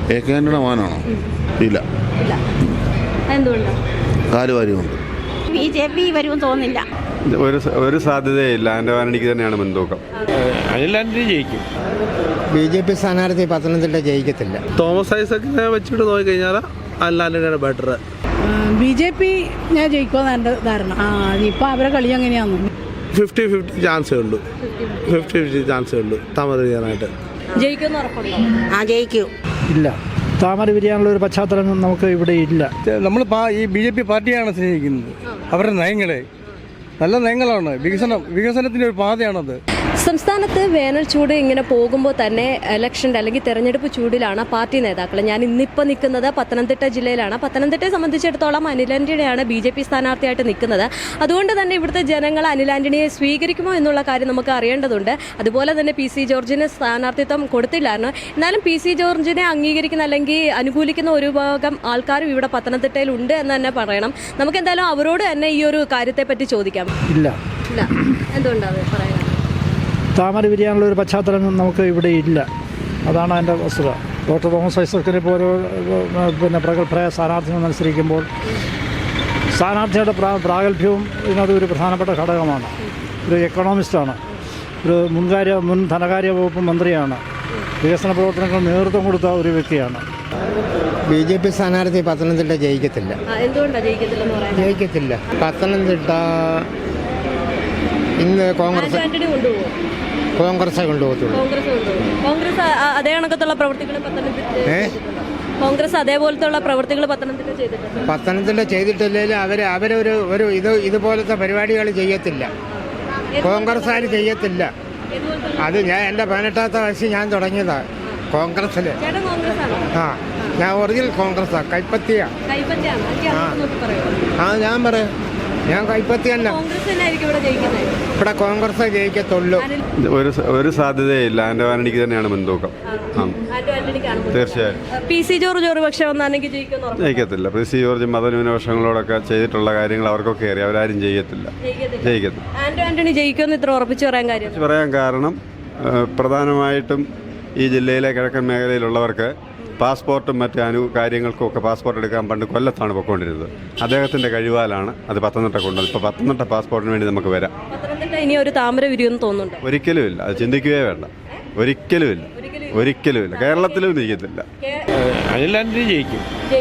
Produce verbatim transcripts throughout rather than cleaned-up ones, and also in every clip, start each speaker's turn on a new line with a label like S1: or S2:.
S1: A K ആന്റണിയുടെ മോനാണോ? ഇല്ല. കാലുവാരിയുണ്ട്.
S2: ബി ജെ പി വരുമെന്ന് തോന്നുന്നില്ല.
S3: ഒരു ഒരു സാധ്യതയില്ല. ആന്റോ ആന്റണിക്ക് തന്നെയാണ് മുൻതൂക്കം.
S4: അനിൽ ആന്റണി ജയിക്കും.
S5: ബി ജെ പി സ്ഥാനാർത്ഥി പത്തനംതിട്ട ജയിക്കത്തില്ല.
S4: തോമസ് ഐസക്കിനെ വെച്ചിട്ട് നോക്കിക്കഴിഞ്ഞാൽ അനിൽ ആന്റണിയാണ് ബെറ്റർ.
S6: ബി ജെ പി ഞാൻ ജയിക്കുമെന്ന് എൻ്റെ ധാരണ. ആ ഇപ്പം അവരെ കളി എങ്ങനെയാണെന്ന്
S4: ഫിഫ്റ്റി ഫിഫ്റ്റി ചാൻസേ ഉള്ളൂ. ഫിഫ്റ്റി ഫിഫ്റ്റി ചാൻസേ ഉള്ളൂ താമര ചെയ്യാനായിട്ട്.
S2: ജയിക്കുമെന്ന് ഉറപ്പുണ്ടോ? ആ ജയിക്കും.
S7: ഇല്ല, താമര വിരിയാനുള്ള ഒരു പശ്ചാത്തലം നമുക്ക് ഇവിടെ ഇല്ല.
S8: നമ്മൾ ഈ ബി ജെ പി പാർട്ടിയാണ് സ്നേഹിക്കുന്നത്. അവരുടെ നയങ്ങളെ നല്ല നയങ്ങളാണ്. വികസനം വികസനത്തിൻ്റെ ഒരു പാതയാണത്.
S9: സംസ്ഥാനത്ത് വേനൽ ചൂട് ഇങ്ങനെ പോകുമ്പോൾ തന്നെ ഇലക്ഷൻ്റെ അല്ലെങ്കിൽ തെരഞ്ഞെടുപ്പ് ചൂടിലാണ് പാർട്ടി നേതാക്കൾ. ഞാൻ ഇന്നിപ്പോൾ നിൽക്കുന്നത് പത്തനംതിട്ട ജില്ലയിലാണ്. പത്തനംതിട്ടയെ സംബന്ധിച്ചിടത്തോളം അനിൽ ആന്റണിയാണ് ബി ജെ പി സ്ഥാനാർത്ഥിയായിട്ട് നിൽക്കുന്നത്. അതുകൊണ്ട് തന്നെ ഇവിടുത്തെ ജനങ്ങൾ അനിൽ ആന്റണിയെ സ്വീകരിക്കുമോ എന്നുള്ള കാര്യം നമുക്ക് അറിയേണ്ടതുണ്ട്. അതുപോലെ തന്നെ പി സി ജോർജിന് സ്ഥാനാർത്ഥിത്വം കൊടുത്തില്ലായിരുന്നു. എന്നാലും പി സി ജോർജിനെ അംഗീകരിക്കുന്ന അല്ലെങ്കിൽ അനുകൂലിക്കുന്ന ഒരു ഭാഗം ആൾക്കാരും ഇവിടെ പത്തനംതിട്ടയിൽ ഉണ്ട് എന്ന് തന്നെ പറയണം. നമുക്ക് എന്തായാലും അവരോട് തന്നെ ഈ ഒരു കാര്യത്തെപ്പറ്റി ചോദിക്കാം.
S7: ഇല്ല.
S9: ഇല്ല, എന്തുകൊണ്ടാണ് പറയാം?
S7: താമര വിരിയാനുള്ള ഒരു പശ്ചാത്തലം നമുക്ക് ഇവിടെ ഇല്ല. അതാണ് അതിൻ്റെ വസ്തുത. ഡോക്ടർ തോമസ് ഐസക്കിനെ പോലെ പിന്നെ പ്രഗത്ഭരായ സ്ഥാനാർത്ഥികൾ മത്സരിക്കുമ്പോൾ സ്ഥാനാർത്ഥിയുടെ പ്രാ പ്രാഗൽഭ്യവും ഇതിനകത്ത് ഒരു പ്രധാനപ്പെട്ട ഘടകമാണ്. ഒരു എക്കണോമിസ്റ്റാണ്, ഒരു മുൻകാര്യ മുൻ ധനകാര്യ വകുപ്പ് മന്ത്രിയാണ്, വികസന പ്രവർത്തനങ്ങൾ നേതൃത്വം കൊടുത്ത ഒരു വ്യക്തിയാണ്.
S5: ബി ജെ പി സ്ഥാനാർത്ഥി പത്തനംതിട്ട ജയിക്കത്തില്ല. ജയിക്കത്തില്ല. പത്തനംതിട്ട ഇന്ന് കോൺഗ്രസ് കോൺഗ്രസ് കൊണ്ടുപോകത്തുള്ളൂ.
S9: കോൺഗ്രസ് അതേ കണക്കത്തുള്ള പ്രവർത്തികൾ കോൺഗ്രസ് അതേപോലത്തെ പ്രവർത്തികൾ പത്തനംതിട്ട ചെയ്തിട്ടുണ്ട്.
S5: പത്തനംതിട്ട ചെയ്തിട്ടില്ലെങ്കിൽ അവർ അവരൊരു ഒരു ഇത് ഇതുപോലത്തെ പരിപാടികൾ ചെയ്യത്തില്ല. കോൺഗ്രസ്സുകാർ ചെയ്യത്തില്ല. അത് ഞാൻ എൻ്റെ പതിനെട്ടാമത്തെ വയസ്സിൽ ഞാൻ തുടങ്ങിയതാണ് കോൺഗ്രസ്സിൽ. ആ ഞാൻ ഒറിജിനൽ കോൺഗ്രസ്സാണ്. കൈപ്പത്തിയാണ്. ആ ഞാൻ പറയാം, ഞാൻ കൈപ്പത്തി തന്നെ. ഇവിടെ കോൺഗ്രസ് ജയിക്കത്തുള്ളൂ.
S3: ഒരു ഒരു സാധ്യതയില്ല. ആന്റോ ആന്റണിക്ക് തന്നെയാണ് മുൻതൂക്കം. തീർച്ചയായും.
S9: പി സി ജോർജ് ഒരു പക്ഷേ
S3: ജയിക്കത്തില്ല. പി സി ജോർജ് മതന്യൂനപക്ഷങ്ങളോടൊക്കെ ചെയ്തിട്ടുള്ള കാര്യങ്ങൾ അവർക്കൊക്കെ അറിയാം. അവരാരും ചെയ്യത്തില്ല. ജയിക്കത്തില്ല.
S9: ആന്റോ ആന്റണി ജയിക്കുമെന്ന് ഇത്ര ഉറപ്പിച്ച് പറയാൻ കാര്യം
S3: പറയാൻ കാരണം പ്രധാനമായിട്ടും ഈ ജില്ലയിലെ കിഴക്കൻ മേഖലയിലുള്ളവർക്ക് പാസ്പോർട്ടും മറ്റ് അനു കാര്യങ്ങൾക്കും ഒക്കെ പാസ്പോർട്ട് എടുക്കാൻ പണ്ട് കൊല്ലത്താണ് പൊയ്ക്കൊണ്ടിരുന്നത്. അദ്ദേഹത്തിൻ്റെ കഴിവാലാണ് അത് പത്തനംതിട്ട കൊണ്ടുവന്നത്. ഇപ്പോൾ പത്തനംതിട്ട പാസ്പോർട്ടിന് വേണ്ടി നമുക്ക് വരാം.
S9: ഇനി ഒരു താമര വിരിയെന്ന് തോന്നുന്നുണ്ട്?
S3: ഒരിക്കലുമില്ല. അത് ചിന്തിക്കുകയേ വേണ്ട. ഒരിക്കലുമില്ല. ഒരിക്കലുമില്ല. കേരളത്തിലും ഇരിക്കത്തില്ല.
S4: അനിൽ ആന്റണി ജയിക്കും.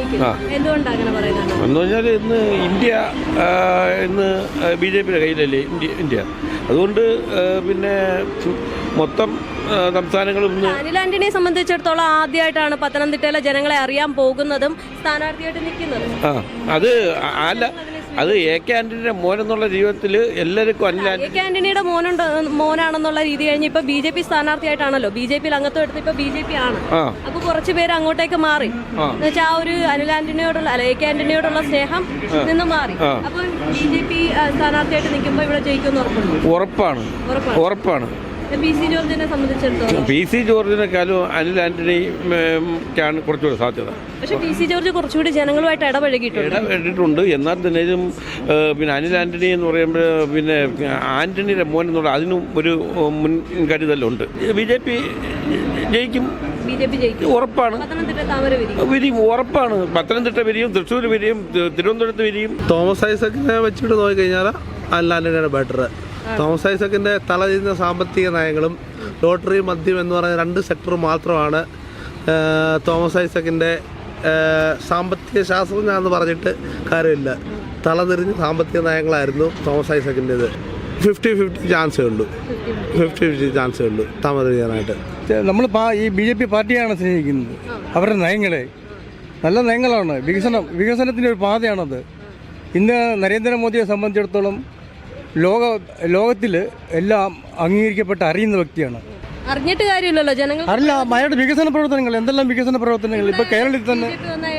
S9: എന്ന്
S4: പറഞ്ഞാൽ ഇന്ന് ഇന്ത്യ ഇന്ന് ബി ജെ പിയുടെ കയ്യിലല്ലേ ഇന്ത്യ ഇന്ത്യ അതുകൊണ്ട് പിന്നെ മൊത്തം സംസ്ഥാനങ്ങളും
S9: അനിൽ ആന്റണിയെ സംബന്ധിച്ചിടത്തോളം ആദ്യമായിട്ടാണ് പത്തനംതിട്ടയിലെ ജനങ്ങളെ അറിയാൻ പോകുന്നതും സ്ഥാനാർത്ഥിയായിട്ട് നിൽക്കുന്നതും.
S4: ആ അത് അല്ല, അത് എ കെ ആന്റണിയുടെ മോനെന്നുള്ള ജീവിതത്തിൽ എല്ലാവർക്കും അനിൽ
S9: എ കെ ആന്റണിയുടെ മോനുണ്ട് മോനാണെന്നുള്ള രീതി കഴിഞ്ഞ് ഇപ്പൊ ബി ജെ പി സ്ഥാനാർത്ഥിയായിട്ടാണല്ലോ ബി ജെ പിയിൽ അംഗത്വം എടുത്ത് ഇപ്പൊ ബി ജെ പി ആണ്. അപ്പൊ കുറച്ചു പേര് അങ്ങോട്ടേക്ക് മാറി എന്നുവെച്ചാൽ ആ ഒരു അനിൽ ആന്റണിയോടുള്ള അല്ല എ കെ ആന്റണിയോടുള്ള സ്നേഹം നിന്ന് മാറി. അപ്പൊ ബി ജെ പി സ്ഥാനാർത്ഥിയായിട്ട് നിൽക്കുമ്പോൾ ഇവിടെ ജയിക്കുമെന്ന് ഉറപ്പുണ്ട്.
S4: ഉറപ്പാണ് ഉറപ്പാണ്.
S9: പി സി ജോർജിനെ സംബന്ധിച്ചിടത്തോളം
S4: പി സി ജോർജിനെക്കാളും അനിൽ ആന്റണിക്കാണ് കുറച്ചുകൂടി സാധ്യത.
S9: പക്ഷേ പി സി ജോർജ് കുറച്ചുകൂടി ജനങ്ങളുമായിട്ട് ഇടപഴകിയിട്ടുണ്ട്
S4: ഇടപെട്ടിട്ടുണ്ട് എന്നാൽ തന്നെയും പിന്നെ അനിൽ ആന്റണി എന്ന് പറയുമ്പോൾ പിന്നെ ആന്റണിയുടെ മോൻ എന്നുള്ള അതിനും ഒരു മുൻകരുതലുണ്ട്. ബി ജെ പി ജയിക്കും.
S9: ബി ജെ പി ജയിക്കും
S4: ഉറപ്പാണ്. വിരിയും ഉറപ്പാണ്. പത്തനംതിട്ട വിരിയും, തൃശ്ശൂർ വിരിയും, തിരുവനന്തപുരത്ത് വിരിയും. തോമസ് ഐസക്കിനെ വെച്ചിട്ട് നോക്കിക്കഴിഞ്ഞാൽ അനിൽ ആന്റണിയാണ് ബെറ്റർ. തോമസ് ഐസക്കിൻ്റെ തലതിരിഞ്ഞ സാമ്പത്തിക നയങ്ങളും ലോട്ടറി മദ്യം എന്ന് പറയുന്ന രണ്ട് സെക്ടർ മാത്രമാണ് തോമസ് ഐസക്കിൻ്റെ സാമ്പത്തിക ശാസ്ത്രജ്ഞാന്ന് പറഞ്ഞിട്ട് കാര്യമില്ല. തലതിരിഞ്ഞ സാമ്പത്തിക നയങ്ങളായിരുന്നു തോമസ് ഐസക്കിൻ്റെത്. ഫിഫ്റ്റി ഫിഫ്റ്റി ചാൻസേ ഉള്ളൂ. ഫിഫ്റ്റി ഫിഫ്റ്റി ചാൻസേ ഉള്ളൂ താമര ചെയ്യാനായിട്ട്.
S8: നമ്മൾ ഈ ബി ജെ പി പാർട്ടിയാണ് സ്നേഹിക്കുന്നത്. അവരുടെ നയങ്ങളെ നല്ല നയങ്ങളാണ്. വികസനം വികസനത്തിൻ്റെ ഒരു പാതയാണത്. ഇന്ന് നരേന്ദ്രമോദിയെ സംബന്ധിച്ചിടത്തോളം ലോക ലോകത്തിൽ എല്ലാം അംഗീകരിക്കപ്പെട്ട് അറിയുന്ന വ്യക്തിയാണ്.
S9: അറിഞ്ഞിട്ട് കാര്യമില്ലല്ലോ ജനങ്ങൾ.
S8: അറിയില്ല അയാളുടെ വികസന പ്രവർത്തനങ്ങൾ എന്തെല്ലാം വികസന പ്രവർത്തനങ്ങൾ ഇപ്പൊ കേരളത്തിൽ തന്നെ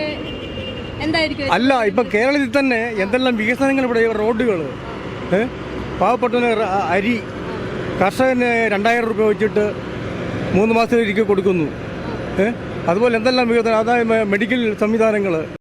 S8: അല്ല ഇപ്പൊ കേരളത്തിൽ തന്നെ എന്തെല്ലാം വികസനങ്ങൾ ഇവിടെ റോഡുകൾ, പാവപ്പെട്ടവന് അരി, കർഷകന് രണ്ടായിരം രൂപ വെച്ചിട്ട് മൂന്ന് മാസത്തിലേക്ക് കൊടുക്കുന്നു. അതുപോലെ എന്തെല്ലാം വികസനം, അതായത് മെഡിക്കൽ സംവിധാനങ്ങൾ